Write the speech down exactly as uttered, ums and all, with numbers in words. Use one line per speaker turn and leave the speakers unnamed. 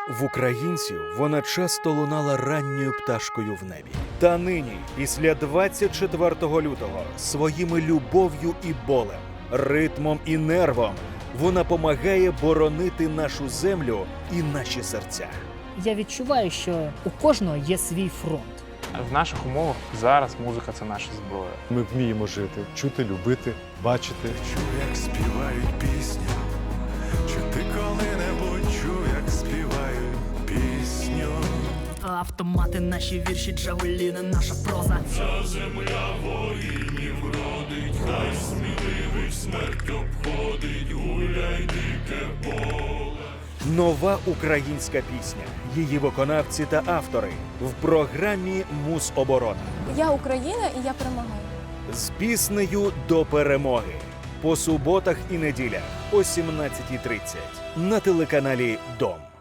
В українців вона часто лунала ранньою пташкою в небі. Та нині, після двадцять четвертого лютого, своїми любов'ю і болем, ритмом і нервом, вона помагає боронити нашу землю і наші серця.
Я відчуваю, що у кожного є свій фронт.
В наших умовах зараз музика – це наша зброя.
Ми вміємо жити, чути, любити, бачити.
Чув, як співають пісню, чи ти коли-небудь чув, як співають пісню?
Автомати, наші вірші, джавеліни, наша проза.
Ця земля воїнів родить, хай сміливих смерть обходить, гуляй дике поле.
Нова українська пісня, її виконавці та автори в програмі «Мусоборона».
Я Україна і я перемагаю.
З піснею до перемоги. По суботах і неділях о сімнадцятій тридцять на телеканалі Дом.